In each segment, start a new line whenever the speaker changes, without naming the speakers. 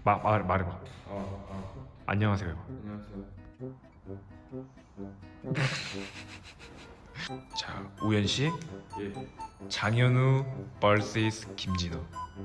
말해봐. 안녕하세요.
안녕하세요.
자, 우현 씨,
예.
장현우 vs 김진우.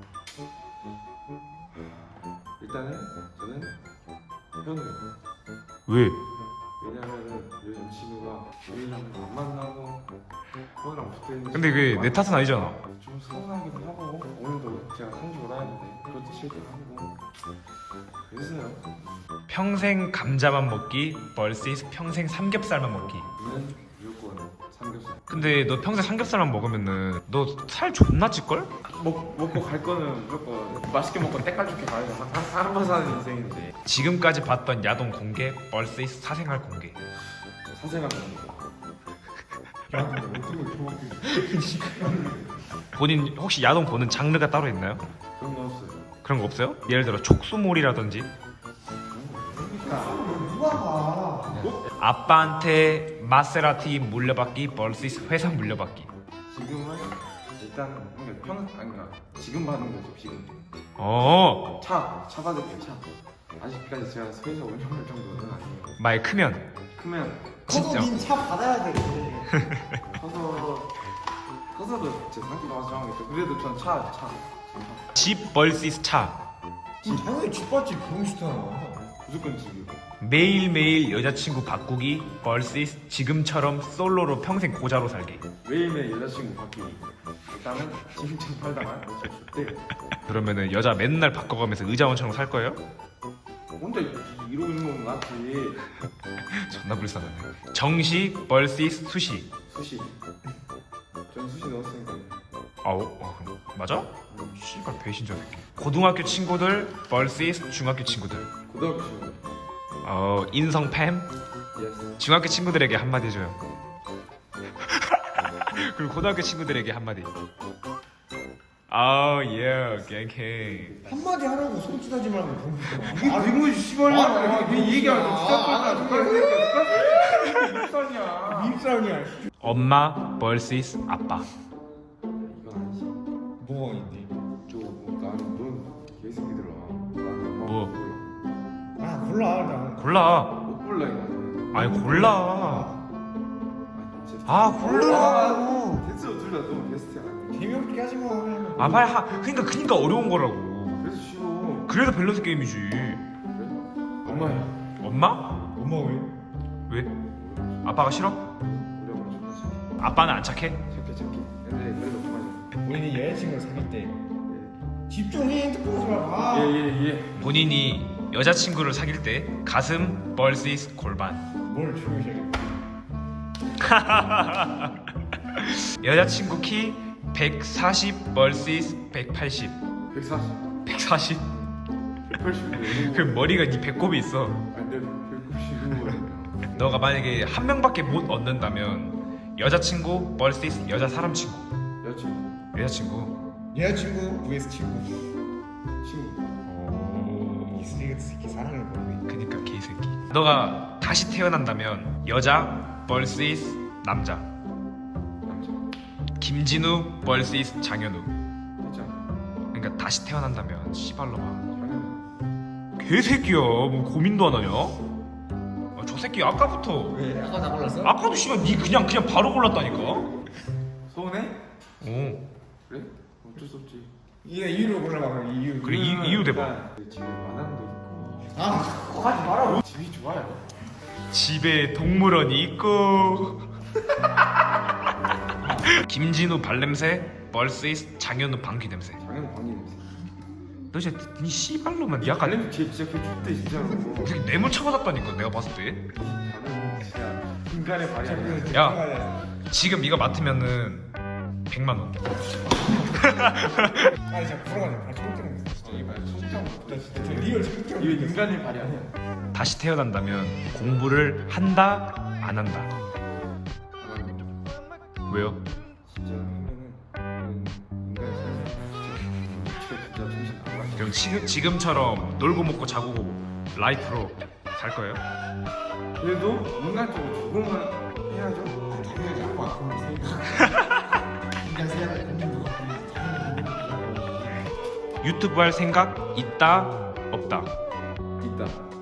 일단은 저는 현우요.
왜?
왜냐면은 요즘 친구가 우리랑 안 만나고 형이랑 붙어있는.
근데 그게 내 탓은 아니잖아.
좀 서운하기도 하고 오늘도 제가 상주 오라 했는데 그것도 싫기도 하고 그래서요.
평생 감자만 먹기 vs 평생 삼겹살만 먹기.
저는 무조건 삼겹살.
근데 너 평생 삼겹살만 먹으면은 너 살 존나 찔걸?
먹고 갈 거는 무조건 맛있게 먹고 때깔 좋게 가야 한번 사는 인생인데
지금까지 봤던 야동 공개 vs 사생활 공개.
사생활 먹는
본인 혹시 야동 보는 장르가 따로 있나요?
그런 거 없어요.
그런 거 없어요? 예를 들어 촉수몰이라든지. 아빠한테 마세라티 물려받기 vs 회사 물려받기.
지금은 일단 그러니까 지금 받는 거죠. 지금
어,
차 받을게요. 차 아직까지 제가 회사 운영할 정도는 아니에요.
말 크면
크면
진짜.
차 받아야 돼.
커서도 제 상태가 와서 정하겠죠. 그래도 전 차
집 vs 차.
당연히 뒷받지 병신아.
무조건 집이고.
매일매일 여자친구 바꾸기 vs 지금처럼 솔로로 평생 고자로 살기.
매일매일 여자친구 바뀌기. 일단은 지금처럼 살다가 저 좋대요.
그러면은 여자 맨날 바꿔가면서 의자원처럼 살 거예요?
혼자 이러고 있는 건 낫지.
존나 불쌍하네. 정시 vs 수시.
수시. 전 수시 넣었으니까.
그럼 맞아? 씨발 배신자 새끼. 고등학교 친구들 vs 중학교 친구들.
고등학교 친구.
인성 팸.
예스.
중학교 친구들에게 한마디 해줘요. 그리고 고등학교 친구들에게 한마디. 예, 갱케.
한마디 하라고 손짓하지 말고 병신아.
아, 이거 씨발이야. 그 얘기하면 습관이야.
밉상이야.
엄마 vs 아빠.
이건 아니지.
뭐가 있니?
넌 개새끼들아. 나는
뭐?
아 몰라 나.
골라.
못 골라 이거.
아니 골라. 골라.
됐어 둘 다 너무 베스트야.
재미없게 하지 마.
빨리 그러니까 어려운 거라고.
그래서 쉬워.
그래도 밸런스 게임이지.
그래? 엄마야.
엄마?
엄마 왜?
왜? 아빠가 싫어?
우리 엄마 존나 착해.
아빠는 안 착해?
착해. 근데 그래도 그만해.
우리는 여자친구를 사귈 때 집중해 핸드폰 보지 말고.
예.
본인이 여자친구를 사귈 때 가슴 vs 골반.
뭘 조용히 해.
여자친구 키 140 vs 180.
140.
140?
180.
그 머리가 네 배꼽이 있어.
안돼. 195.
너가 만약에 한 명밖에 못 얻는다면 여자친구 vs 여자 사람 친구.
여자친구.
여자친구.
여자친구 vs 친구.
친구.
이 쓰레기 새끼 사랑을 모르네.
그니까 개새끼. 너가 다시 태어난다면 여자 vs 남자.
남자.
김진우 vs 장현우.
됐잖아.
그러니까 다시 태어난다면 씨발로마.
당연히.
개새끼야. 뭐 고민도 안 하냐? 저 새끼 아까부터.
왜? 아까 나 골랐어?
아까도 씨발 니 그냥 바로 골랐다니까.
서운해?
오.
그래? 어쩔 수 없지.
얘 이유를 골라봐. 이유.
그래 이유 대봐.
집에 마당도 있고.
아 그거 하지 마라.
집이 좋아요.
집에 동물원이 있고. 김진우 발냄새 vs 장현우 방귀 냄새.
당연히 방귀 냄새.
너 진짜 니 씨발로만 니 아까
발냄새 진짜 개좋대 진짜로.
무슨 뇌물 쳐맞았다니까 내가 봤을 때.
나는 진짜 인간의 발이 아니야.
야. 지금 이거 맡으면은 100만 원.
아니 진짜 불어가지고 발 똥땡.
이발 손장.
나 진짜 리얼 똥땡.
이거 인간의 발이 아니야.
다시 태어난다면 공부를 한다 안 한다.
안 하는 거.
왜요?
진짜 하면은 인간의 삶이 진짜 정신 나가.
그럼 지금처럼 놀고 먹고 자고 라이프로 살 거예요?
그래도 인간적으로 조금은 해야죠.
당연히 아빠 그런 생각. 인간 생각을 공부도
유튜브 할 생각 있다 없다.
있다.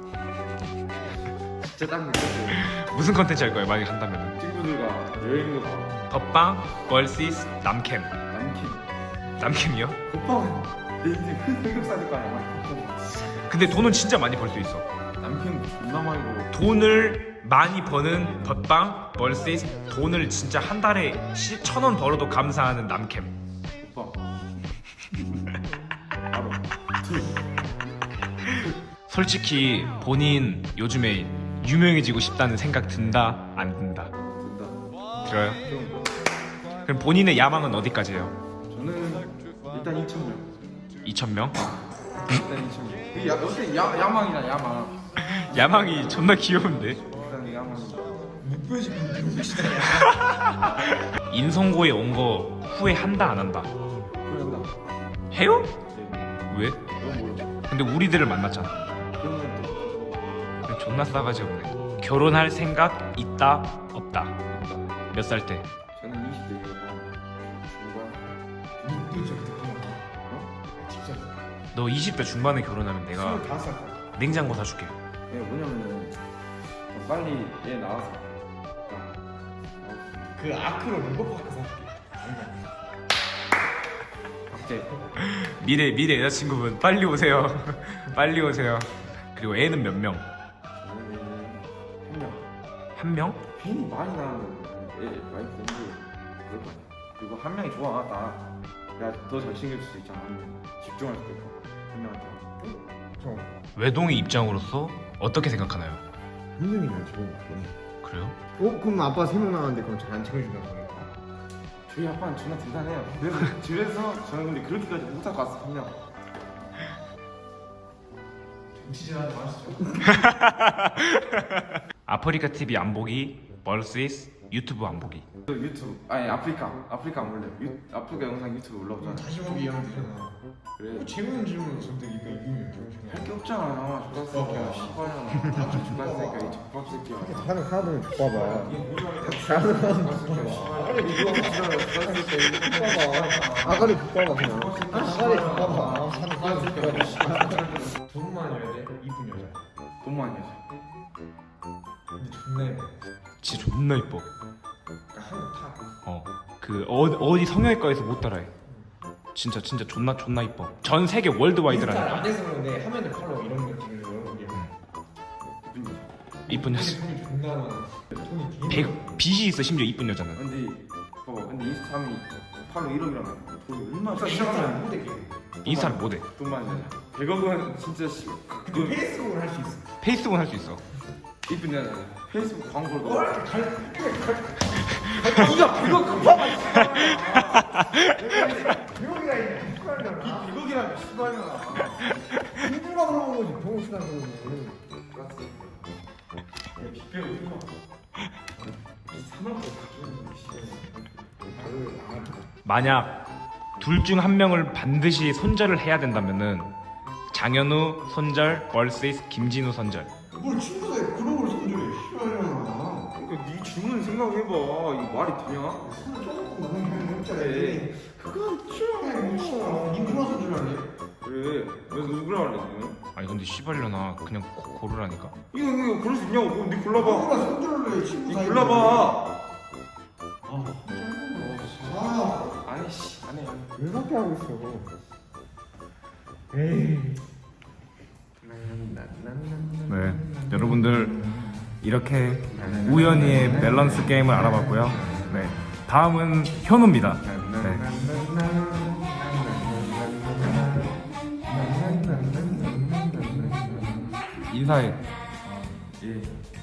진짜 딱 느꼈어요.
무슨 컨텐츠 할 거예요? 만약 한다면은
친구들과 여행도 가고
덮방 vs 남캠.
남캠.
남캠이요?
오빠는 내 인생 큰 흑역사니까 아마
근데 돈은 진짜 많이 벌 수 있어.
남캠 존나 많이 벌어.
돈을 많이 버는 덮방 vs 돈을 진짜 한 달에 1,000원 벌어도 감사하는 남캠.
오빠. 바로 둘.
솔직히 본인 요즘에 유명해지고 싶다는 생각 든다 안 든다?
된다.
들어요?
좀
그럼 본인의 야망은 어디까지예요?
저는 일단 2,000명.
2,000명?
일단 2,000명. 그 어때 야망이잖아 야망.
야망이 존나 귀여운데?
일단 야망.
인성고에 온 거 후회한다 안 한다?
그런다.
해요?
네.
왜?
너무 멀어.
근데 우리들을 만났잖아.
그러면 또
존나 싸가지 없네. 결혼할 생각 있다 없다? 몇 살 때?
저는 20대예요. 중반.
또 진짜 듣구나. 진짜.
너 20대 중반에 결혼하면 내가
25살.
냉장고 사줄게.
네, 뭐냐면은 빨리 얘 나와서
그 아크로 롤버파크 사줄게.
갑자기
미래 여자친구분 빨리 오세요. 빨리 오세요. 그리고 애는 몇 명?
저는 한 명.
한 명?
팬이 많이 나는 애 와이프인데 그럴 거 아니야. 그리고 한 명이 좋아 나. 야더 잘 챙겨줄 수 있잖아. 한 명. 집중할 수 있고 한 명한테.
저
외동의 입장으로서 어떻게 생각하나요?
힘드니까 지금.
그래요?
그럼 아빠 3명 나왔는데 그럼 잘 안 챙겨준다고 그러니까.
저희 아빠는 존나 대단해요. 그래서 집에서 저는 근데 그렇게까지 못하고 왔어 한 명.
정치질하지 마시죠.
아프리카 TV 안 보기 vs 유튜브 안 보기.
저 유튜브 아니 아프리카 안 올려. 아프리카 영상 유튜브 올라오잖아.
다시 보기 이하면 되잖아.
그래.
재밌는 질문을 선택이니까 이기면
할 게 없잖아. 족밥새끼야. 씨발이야. 다들 족밥새끼야. 이 족밥새끼야.
하는 하나는 봐봐. 아가리 족봐봐 그냥. 아가리 족봐봐. 사는 하나는 돈만 줘야 돼. 이쁜 여자.
돈 많이 해서.
근데 존나 예뻐.
진짜 존나 이뻐.
그러니까 한국 타.
그 어디 성형외과에서 못 따라해. 진짜 존나 이뻐. 전 세계 월드와이드라니까.
안에서 그런데 화면을 팔로 이런 느낌으로 여러분이
이쁜 여자.
돈이 존나 많아. 돈이 되게
빚이 있어 심지어 이쁜 여자는.
근데 봐봐. 근데 인스타그램이 팔로 1억이라면 돈 얼마나
많아. 시작하면 못해.
인스타를 못해.
돈 많이 내. 100억은 진짜
근데 페이스북을 할 수 있어.
페이스북은 할 수 있어.
이쁜 여자. 페이스북 광고를 넣어.
뭘 이렇게
네가 100억 급하면
비용이가 있네. 시발려나.
100억이라면 씨발이야.
누가 물어본 거지. 병원 시간 그러는
만약 둘 중 한 명을 반드시 손절을 해야 된다면은 장현우 손절 vs 김진우 손절.
뭘 친구들 그런 걸 손절해. 시발려나.
그러니까 네 질문 생각해봐. 이거 말이 되냐?
손을 조금 넘는 경우 없잖아.
그래. 그건 좀.
니 누가 손절하래?
그래. 왜 누구라 할래 지금?
아니 근데 씨발려나 그냥 고르라니까.
이거 그럴 수 있냐고. 그럼 네 골라봐.
누가 손절을 해? 친구
네
사이에.
골라봐.
아,
아니 씨. 안 해.
왜 그렇게 하고 있어? 에이.
네, 여러분들 이렇게 우연히의 밸런스 게임을 알아봤고요. 네, 다음은 현우입니다. 네. 인사해.
예.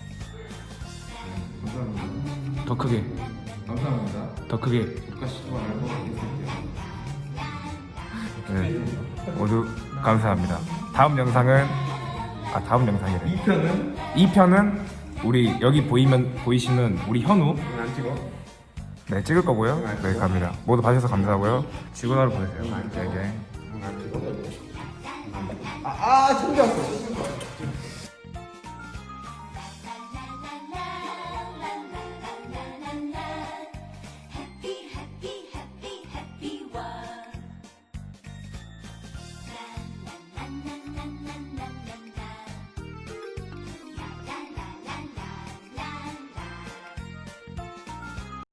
더 크게.
감사합니다.
더 크게.
똑같이 또 알고 있을게요.
네, 모두 감사합니다. 다음 영상이래. 2편은 우리 여기 보이시는 우리 현우.
안 찍어?
네, 찍을 거고요. 네, 갑니다. 모두 봐주셔서 감사하고요. 즐거운 하루 보내세요. 네, 네.
챙겼어.